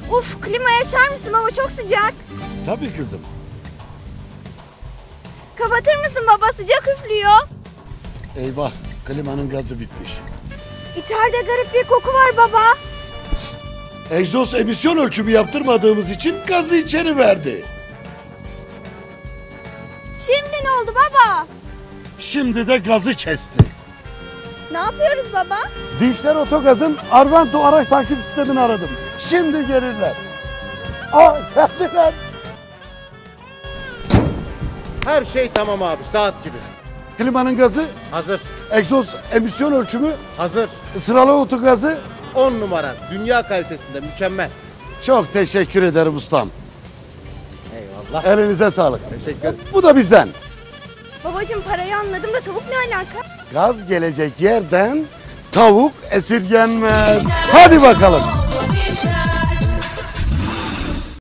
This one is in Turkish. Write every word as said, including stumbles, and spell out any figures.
Uf, klimayı açar mısın baba, çok sıcak. Tabii kızım. Kapatır mısın baba, sıcak üflüyor. Eyvah, klimanın gazı bitmiş. İçeride garip bir koku var baba. Egzoz emisyon ölçümü yaptırmadığımız için gazı içeri verdi. Şimdi ne oldu baba? Şimdi de gazı kesti. Ne yapıyoruz baba? Dinçler Otogaz'ın Arvento araç takip sistemini aradım. Şimdi gelirler. Aa, geldiler. Her şey tamam abi, saat gibi. Klimanın gazı, Hazır, egzoz emisyon ölçümü, hazır. sıralı otogazı. On numara, dünya kalitesinde, mükemmel. Çok teşekkür ederim ustam. Eyvallah. Elinize sağlık. Teşekkür. Bu da bizden. Babacığım, parayı anladım da tavuk ne alaka? Gaz gelecek yerden tavuk esirgenmez. Hadi bakalım.